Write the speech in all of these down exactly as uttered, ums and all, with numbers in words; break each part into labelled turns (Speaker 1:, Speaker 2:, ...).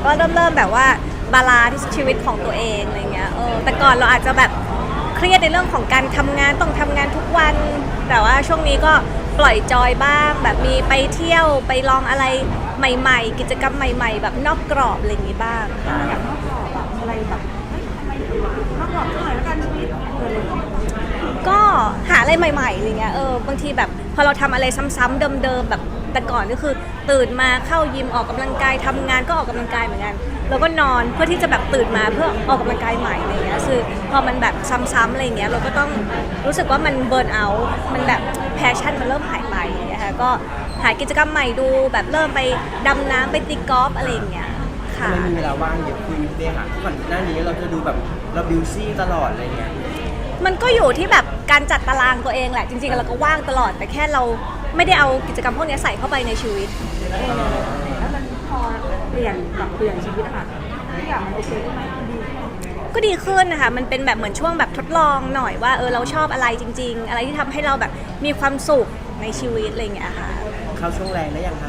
Speaker 1: ก็เริ่มเริ่มแบบว่าบาลานซ์ชีวิตของตัวเองอะไรเงี้ยเออแต่ก่อนเราอาจจะแบบเครียดในเรื่องของการทำงานต้องทำงานทุกวันแต่ว่าช่วงนี้ก็ปล่อยจอยบ้างแบบมีไปเที่ยวไปลองอะไรใหม่ๆกิจกรรมใหม่ๆแบบนอกกรอบอะไรอย่างงี้บ้างค่ะ
Speaker 2: อยากนอกกรอบแบบอะไรแบบเฮ้ยทำไมถึงนอกกรอบเท่าไหร่แล้วกันชีวิตเอออะไรอย่างเงี้ย
Speaker 1: ก็หาอะไรใหม่ๆอะไรเงี้ยเออบางทีแบบพอเราทำอะไรซ้ำๆเดิมๆแบบแต่ก่อนก็คือตื่นมาเข้ายิมออกกำลังกายทำงานก็ออกกำลังกายเหมือนกันแล้วก็นอนเพื่อที่จะแบบตื่นมาเพื่อออกกำลังกายใหม่อะไรเงี้ยคือพอมันแบบซ้ำๆอะไรเงี้ยเราก็ต้องรู้สึกว่ามันเบิร์นเอาท์มันแบบแพชชั่นมันเริ่มหายไปอย่างเงี้ยค่ะก็หากิจกรรมใหม่ดูแบบเริ่มไปดำน้ำไปตีกอล์ฟอะไรอย่างเงี้ยค่ะ
Speaker 3: ไม่มีเวลาว่างเยอะคุยเดย์ค่ะก่อนหน้านี้เราจะดูแบบเราบิวซี่ตลอดอะไรเงี้ย
Speaker 1: มันก็อยู่ที่แบบการจัดตารางตัวเองแหละจริงๆเราก็ว่างตลอดแต่แค่เราไม่ได้เอากิจกรรมพวกนี้ใส่เข้าไปในชีวิต
Speaker 2: แล้วมันพอเปลี่ยนปรับเปลี่ยนชีวิตอะค่ะทุกอย่างมันโอเคขึ้นไหมมันดีขึ้นไหม
Speaker 1: ก็ดีขึ้นนะคะมันเป็นแบบเหมือนช่วงแบบทดลองหน่อยว่าเออเราชอบอะไรจริงๆอะไรที่ทำให้เราแบบมีความสุขในชีวิตอะไรอย่างเงี้ยค่ะ
Speaker 3: เข้าช่วงแรงได้ยังคะ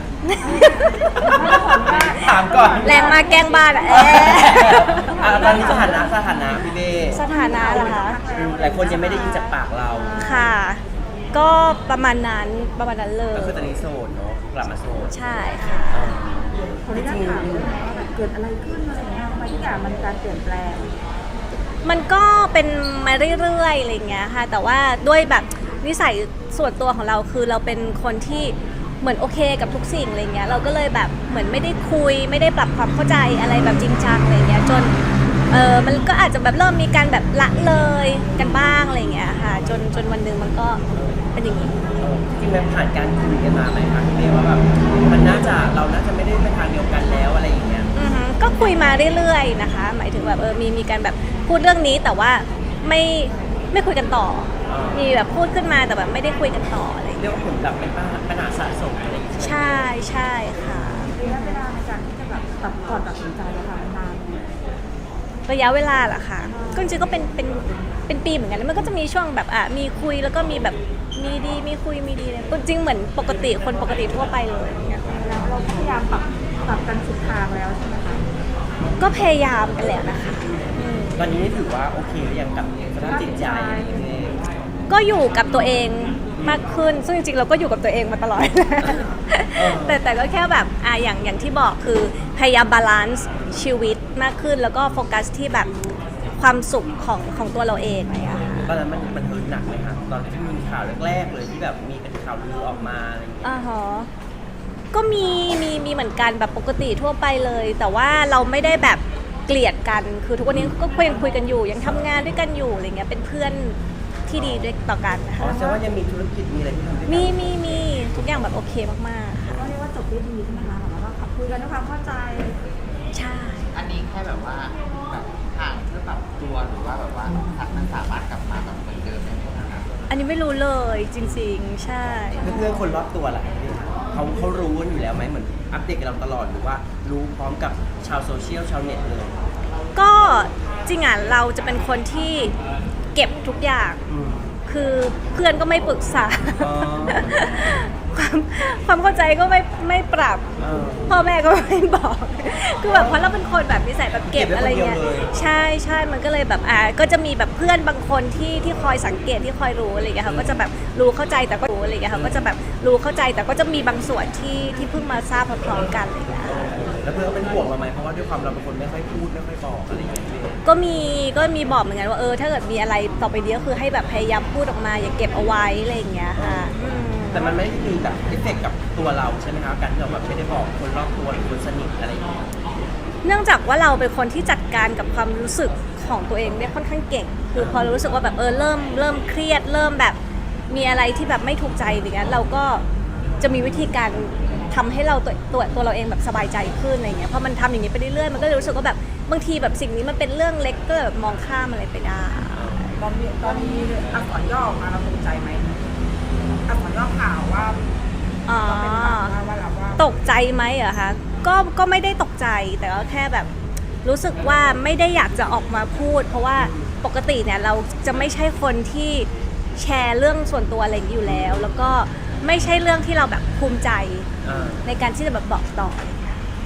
Speaker 3: ถามก่อน
Speaker 1: แรงมากแกล้งบ้านอะเอ๊ะ
Speaker 3: อ่ะตอนนี้สถานะสถานะพี่เบ้
Speaker 1: สถานะเหรอคะ
Speaker 3: อืมหลายคนยังไม่ได้ยินจากปากเรา
Speaker 1: ค่ะ ก็ประมาณนั้นประมาณนั้นเลย
Speaker 3: ก็คือตอนนี้โสดเนาะกลับมาโสด
Speaker 1: ใช่ค่ะ
Speaker 2: ขออนุญาตถามเลยนะว่าแบบเกิดอะไรขึ้นอะไรอย่างเงี้ยทำไมทุกอย่างมันการเปลี่ยนแปลง
Speaker 1: มันก็เป็นมาเรื่อยๆอะไรอย่างเงี้ยค่ะแต่ว่าด้วยแบบนิสัยส่วนตัวของเราคือเราเป็นคนที่เหมือนโอเคกับทุกสิ่งอะไรเงี้ยเราก็เลยแบบเหมือนไม่ได้คุยไม่ได้ปรับความเข้าใจอะไรแบบจริงจังอะไรเงี้ยจนเออมันก็อาจจะแบบเริ่มมีการแบบละเลยกันบ้างอะไรเงี้ยค่ะจนจนวันหนึ่งมันก็เป็นอย่างนี้
Speaker 3: จริงๆมันผ่านการคุยกันมาไหมคะพี่เบ้ว่าแบบมันน่าจะเราน่าจะไม่ได้ไปทางเดียวกันแล้วอะไรอย่างเงี้ย
Speaker 1: อือฮึก็คุยมาเรื่อยๆนะคะ หมายถึงแบบเออมีมีการแบบพูดเรื่องนี้แต่ว่าไม่ไม่คุยกันต่อ มีแบบพูดขึ้นมาแต่แบบไม่ได้คุยกันต่ออะไรอย่าง
Speaker 3: เรี
Speaker 1: เงี้ย
Speaker 3: ยกว่าผลแบบเป็นปัญหาสะสมอะไรอย่างเงี้ย
Speaker 1: ใช่ใช่ค่ะ
Speaker 2: ระยะเวลาในการที่จะแบบตัดก่อนตัดสินใจอะค่ะมันนานไหม
Speaker 1: ระยะเวลาเหรอคะก็จริงๆก็เป็นเป็นเป็นปีเหมือนกันแล้วมันก็จะมีช่วงแบบอ่ะมีคุยแล้วก็มีแบบมีดีมีคุยมีดีเลยจริงๆเหมือนปกติคนปกติทั่วไปเลยอย่างเงี้ย
Speaker 2: แล้วเราก็พยายามปรับปรับกันสุดทางแล้วใช่ไหมคะ
Speaker 1: ก็พยายามกันแล้วนะคะอืม
Speaker 3: ตอนนี้นี่ถือว่าโอเคหรือยังกับสภาพจิตใจอะไรอย่างเงี้ย
Speaker 1: ก็อยู่กับตัวเองมากขึ้น ซึ่งจริงๆเราก็อยู่กับตัวเองมาตลอด แต่แต่ก็แค่แบบอ่ะอย่างอย่างที่บอกคือพยายามบาลานซ์ชีวิตมากขึ้น แล้วก็โฟกัสที่แบบความสุขของของตัวเราเองอะไรอย่างเงี้ยค่ะ
Speaker 3: ตอนนั้นมันมันเฮิร์ตหนักไหมคะตอนที่มีข่าวแรกๆเลยที่แบบมีเป็นข่าวลือออกมาอะไรอย่างเงี้ย
Speaker 1: อ่าฮะก็มีมีมีเหมือนกันแบบปกติทั่วไปเลย แต่ว่าเราไม่ได้แบบเกลียดกัน คือทุกวันนี้ก็ยังคุยกันอยู่ ยังทำงานด้วยกันอยู่อะไรเงี้ยเป็นเพื่อนที่ดีด้วยต่อกันนะ
Speaker 3: อ๋อ
Speaker 1: คะ
Speaker 3: แสดงว่ายังมีธุรกิจมีอะไรที่ทำด้วยกัน
Speaker 1: มีมีมีทุกอย่างแบบโอเคมากๆค่ะ
Speaker 2: ก็เรียกว่าจบด้วยดีใช่ไหมคะแบบว่าขับคุยกันด้วยความเข้าใจ
Speaker 1: ใช่
Speaker 4: อันนี้แค่แบบว่าแบบห่างเพื่อปรับตัวหรือว่าแบบว่ามันสามารถกลับมาแบบเหมือนเดิมได้ไหมครับ
Speaker 1: อันนี้ไม่รู้เลยจริงๆ ใช่
Speaker 3: เพื่อนๆคนรอบตัวล่ะเขาเขารู้กันอยู่แล้วไหมเหมือนอัปเดตกับเราตลอดหรือว่ารู้พร้อมกับชาวโซเชียลชาวเน็ตเลย
Speaker 1: ก็จริงอ่ะเราจะเป็นคนที่เก็บทุกอย่าง
Speaker 3: อืม
Speaker 1: คือเพื่อนก็ไม่ปรึกษา
Speaker 3: อ๋อ
Speaker 1: ความความเข้าใจก็ไม่ไม่ปรับ
Speaker 3: เออ
Speaker 1: พ่อแม่ก็ไม่บอก คือแบบเพราะเราเป็นคนแบบนิสัยแบบเก็บ
Speaker 3: เก็บไว้
Speaker 1: อะไรเงี้ย
Speaker 3: คนเดียวเลย
Speaker 1: ใช่ใช่มันก็เลยแบบอ่าก็จะมีแบบเพื่อนบางคนที่ที่คอยสังเกตที่คอยรู้อะไรเงี้ยเขาก็จะแบบรู้เข้าใจแต่ก็รู้อะไรเงี้ยเขาก็จะแบบรู้เข้าใจแต่ก็จะมีบางส่วนที่ที่เพิ่งมาทราบพร้อมๆกันอะไรเงี้ย
Speaker 3: แล้วเพื่อนก็เป็นห่วงเราไหมเพราะว่าด้วยความเราเป็นคนไม่ค่อยพูดไม่ค่อยบอกอะไรอย่างเงี้ย
Speaker 1: ก็มีก็มีบอกเหมือนกันว่าเออถ้าเกิดมีอะไรต่อไปนี้ก็คือให้แบบพยายามพูดออกมาอย่าเก็บเอาไว้อะไรอย่างเงี้ยค่ะอืม
Speaker 3: แต่มันไม่ได้มีแบบเอฟเฟกต์กับตัวเราใช่ไหมคะการที่เราแบบไม่ได้บอกคนรอบตัวหรือคนสนิทอะไรอย่างเงี้ย
Speaker 1: เนื่องจากว่าเราเป็นคนที่จัดการกับความรู้สึกของตัวเองได้ค่อนข้างเก่ง คือพอรู้สึกว่าแบบเออเริ่มเริ่มเครียดเริ่มแบบมีอะไรที่แบบไม่ถูกใจอย่างเงี้ยเราก็จะมีวิธีการทำให้เราตัวตัวตัวเราเองแบบสบายใจขึ้นอะไรเงี้ยพอมันทำอย่างนี้ไปเรื่อยๆมันก็เลยรู้สึกว่าแบบบางทีแบบสิ่งนี้มันเป็นเรื่องเล็กก็แบบมองข้ามอะไรไปได้
Speaker 2: ตอนนี้ตอนนี้อักษรย่อออกมาเราตกใจไหมอักษรย่อข่าวว่า
Speaker 1: อ๋อ
Speaker 2: เป็นข่าวว่าว่าเราว่า
Speaker 1: ตกใจไหมเหรอคะก็ก็ไม่ได้ตกใจแต่ก็แค่แบบรู้สึกว่าไม่ได้อยากจะออกมาพูด เพราะว่าปกติเนี่ยเราจะไม่ใช่คนที่แชร์เรื่องส่วนตัวอะไรอย่างนี้อยู่แล้ว แล้วก็ไม่ใช่เรื่องที่เราแบบภูมิใจ
Speaker 3: อ่า
Speaker 1: ในการที่จะแบบบอกต่ออะไรอย่างเงี้ย
Speaker 3: อ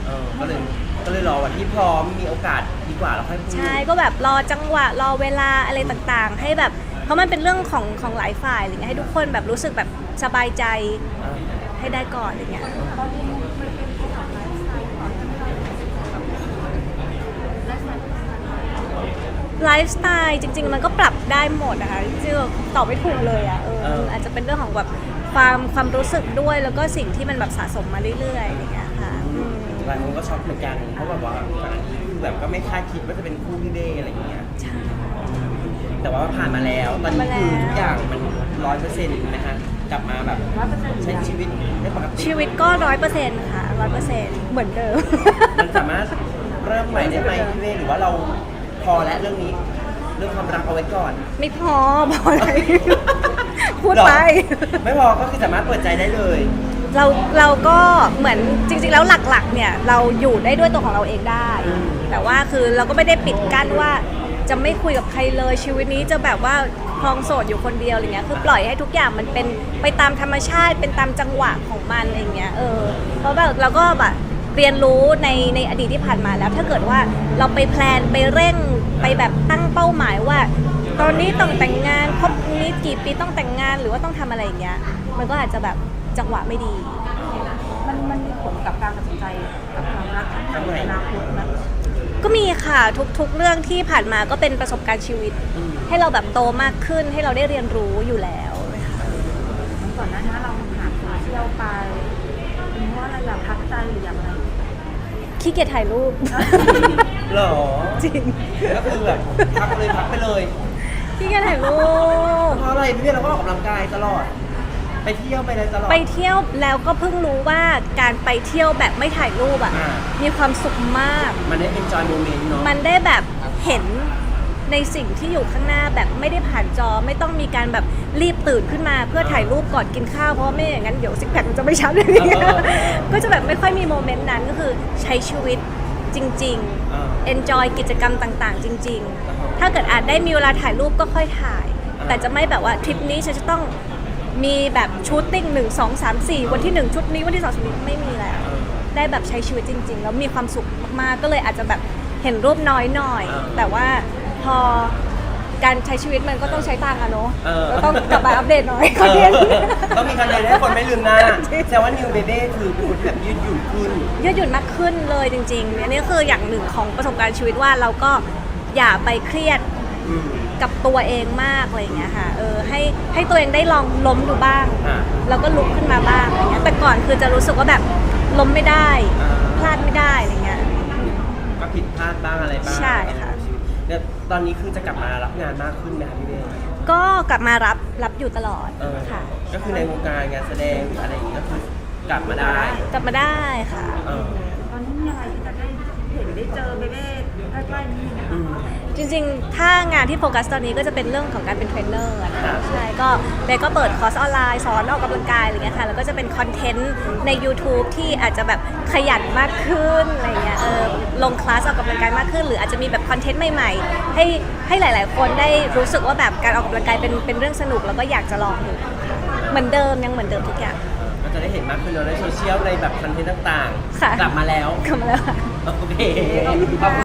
Speaker 3: เออก็เลยก็เลยรอวันที่พร้อมมีโอกาสดีกว่าแล้วค่อยพูด
Speaker 1: ใช่ก็แบบรอจังหวะรอเวลาอะไรต่างๆ ให้แบบเพราะมันเป็นเรื่องของของหลายฝ่ายอะไรเงี้ยให้ทุกคนแบบรู้สึกแบบสบายใจ
Speaker 3: เออ
Speaker 1: ให้ได้ก่อนอะไรเงี้ย
Speaker 2: ตอนนี้มันเป็นเกี่ยวกับไลฟ์สไตล์ก่อนที่เราไลฟ์สไตล์
Speaker 1: ไลฟ์สไตล์จริง ๆ มันก็ปรับได้หมดนะคะจริงๆตอบไม่ถูกเลยอ่ะเออมันอาจจะเป็นเรื่องของแบบความความรู้สึกด้วยแล้วก็สิ่งที่มันแบบสะสมมาเรื่อยๆอะไรเงี้ยค่ะอืม
Speaker 3: หลายคนก็ช็อกเหมือนกันเพราะแบบว่าก่อนอันนี้คือแบบก็ไม่คาดคิดว่าจะเป็นคู่พี่เบ้อะไรอย่างเงี้ย
Speaker 1: ใช่
Speaker 3: แต่ว่าผ่านมาแล้วตอนนี้คือทุกอย่างมันร้อยเปอร์เซ็นต์นะคะกลับมาแบบ
Speaker 2: ร้อยเปอร์เซ็นต์
Speaker 3: ใช้ชีวิตได้ปกติ
Speaker 1: ชีวิตก็ร้อยเปอร์เซ็นต์ค่ะร้อยเปอร์เซ็นต์เหมือนเดิม
Speaker 3: มันสามารถเริ่มใหม่ได้ไหมพี่เบ้หรือว่าเราพอแล้วเรื่องนี้ เรื่องความรักเอาไว้ก่อน
Speaker 1: ไม่พอพออะไร พูดไป
Speaker 3: หรอไม่พอก็คือสามารถเปิดใจได้เลย
Speaker 1: เราเราก็เหมือนจริงๆแล้วหลักๆเนี่ยเราอยู่ได้ด้วยตัวของเราเองได้ แต่ว่าคือเราก็ไม่ได้ปิดกั้นว่าจะไม่คุยกับใครเลยชีวิตนี้จะแบบว่าครองโสดอยู่คนเดียวอะไรเงี้ยคือปล่อยให้ทุกอย่างมันเป็นไปตามธรรมชาติเป็นตามจังหวะของมันอะไรเงี้ยเออเพราะแบบเราก็แบบเรียนรู้ในในอดีตที่ผ่านมาแล้วถ้าเกิดว่าเราไปแพลนไปเร่งไปแบบตั้งเป้าหมายว่า ตอนนี้ต้องแต่งงานครบนี้กี่ปีต้องแต่งงานหรือว่าต้องทำอะไรอย่างเงี้ยมันก็อาจจะแบบจังหวะไม่ดี
Speaker 2: มันมันมีผลกับการตัดสินใจกับความรักครั้งใหม่ในอนาคตนะ
Speaker 1: ก็มีค่ะทุกๆเรื่องที่ผ่านมาก็เป็นประสบการณ์ชีวิต
Speaker 3: อืม
Speaker 1: ให้เราแบบโตมากขึ้นให้เราได้เรียนรู้อยู่แล้วนะคะ
Speaker 2: ก่อนหน้านี้เราหาโซเชียลไปเป็นเพราะอะไรอยากพักใจหรืออยากอะไร
Speaker 1: ขี้เกียจถ่ายรูป
Speaker 3: หรอ
Speaker 1: จริง
Speaker 3: ก็คือแบบพักเลยพักไปเลย
Speaker 1: ขี้เกียจถ่ายรูป
Speaker 3: เพราะอะไรพี่เบ้เราก็ออกกำลังกายตลอด ไปเที่ยวไปอะไรตลอด
Speaker 1: ไปเที่ยวแล้วก็เพิ่งรู้ว่าการไปเที่ยวแบบไม่ถ่ายรูปอ่ะ
Speaker 3: อ่า
Speaker 1: มีความสุขมาก
Speaker 3: มันได้เป็นจอยโมเมนต์เนาะ
Speaker 1: มันได้แบบเห็นในสิ่งที่อยู่ข้างหน้าแบบไม่ได้ผ่านจอไม่ต้องมีการแบบรีบตื่นขึ้นมาเพื่อถ่ายรูปก่อนกินข้าวเพราะว่าไม่อย่างนั้นเดี๋ยวซิกแพคมันจะไม่ชัดเลยก็จะแบบไม่ค่อยมีโมเมนต์นั้นก็คือใช้ชีวิตจริง
Speaker 3: เออ
Speaker 1: ๆ enjoy กิจกรรมต่างๆ จริง ๆ ถ้าเกิดอาจได้มีเวลาถ่ายรูปก็ค่อยถ่าย แต่จะไม่แบบว่าทริปนี้ฉันจะต้องมีแบบชูตติ้งหนึ่งสองสามสี่วันที่หนึ่งชุดนี้วันที่สองชุดนี้ไม่มีแล้ว ได้แบบใช้ชีวิตจริง ๆ แล้วมีความสุขมากๆ ก็เลยอาจจะแบบเห็นรูปน้อยหน่อย
Speaker 3: อ่า
Speaker 1: แต่ว่าพอการใช้ชีวิตมันก็ต้องใช้ตังค์อะเนาะ
Speaker 3: เออ
Speaker 1: เราต้องกลับมาอัปเดตหน่อย
Speaker 3: เอ
Speaker 1: คอนเทนต์
Speaker 3: อต้องมีคอนเทนต์ให้คนไม่ลืมหน้าแต่ว่านิวเบเบ้คือเป็นคนแบบยืดหยุ่นขึ้น
Speaker 1: ยืดหยุ่นมากขึ้นเลยจริงๆ อันนี้คืออย่างหนึ่งของประสบการณ์ชีวิตว่าเราก็อย่าไปเครียด
Speaker 3: อืม
Speaker 1: กับตัวเองมากอะไรอย่างเงี้ยค่ะเออให้ให้ตัวเองได้ลองล้มดูบ้าง
Speaker 3: อ่า
Speaker 1: แล้วก็ลุกขึ้นมาบ้างอะไรเงี้ยแต่ก่อนคือจะรู้สึกว่าแบบล้มไม่ได้
Speaker 3: อ่า
Speaker 1: พลาดไม่ได้อะไรเงี้ย
Speaker 3: ก็ผิดพลาดบ้างอะไรบ้าง
Speaker 1: ใช่ค่ะ
Speaker 3: เนี่ยตอนนี้คือจะกลับมารับงานมากขึ้นไหมคะพี่เบ้
Speaker 1: ก็กลับมารับรับอยู่ตลอด
Speaker 3: เออ
Speaker 1: ค่ะ
Speaker 3: ก็คือในวงการงานแสดงหรืออะไรอย่างนี้ก็คือกลับมาได้
Speaker 1: กลับมาได้ค่ะ
Speaker 3: เออ
Speaker 2: ตอนนี้มีอะไรที่จะได้เห็นได้เจอเบเบ้ใกล้ๆนี้ไหม
Speaker 3: อื
Speaker 2: คะ
Speaker 3: ม
Speaker 1: จริงๆ ถ้างานที่โฟกัสตอนนี้ก็จะเป็นเรื่องของการเป็นเทรนเนอร์อะนะคะใช่ก็เบย์ก็เปิดคอร์สออนไลน์สอนออกกำลังกายอะไรเงี้ยค่ะแล้วก็จะเป็นคอนเทนต์ใน YouTube ที่อาจจะแบบขยันมากขึ้นอะไรเงี้ยเออลงคลาสออกกำลังกายมากขึ้น หรืออาจจะมีแบบคอนเทนต์ใหม่ๆ ให้ให้หลาย ๆ คนได้รู้สึกว่าแบบการออกกำลังกายเป็นเป็นเรื่องสนุกแล้วก็อยากจะลองดูเหมือนเดิมยังเหมือนเดิมทุกอย่าง
Speaker 3: ก็จะได้เห็นมากขึ้นเนอะในโซเชียลในแบบคอนเทนต์ต่าง
Speaker 1: ค่ะ
Speaker 3: ๆ กลับมาแล้ว
Speaker 1: กลับมาแล้วค่ะ
Speaker 3: โอเคขอบคุณ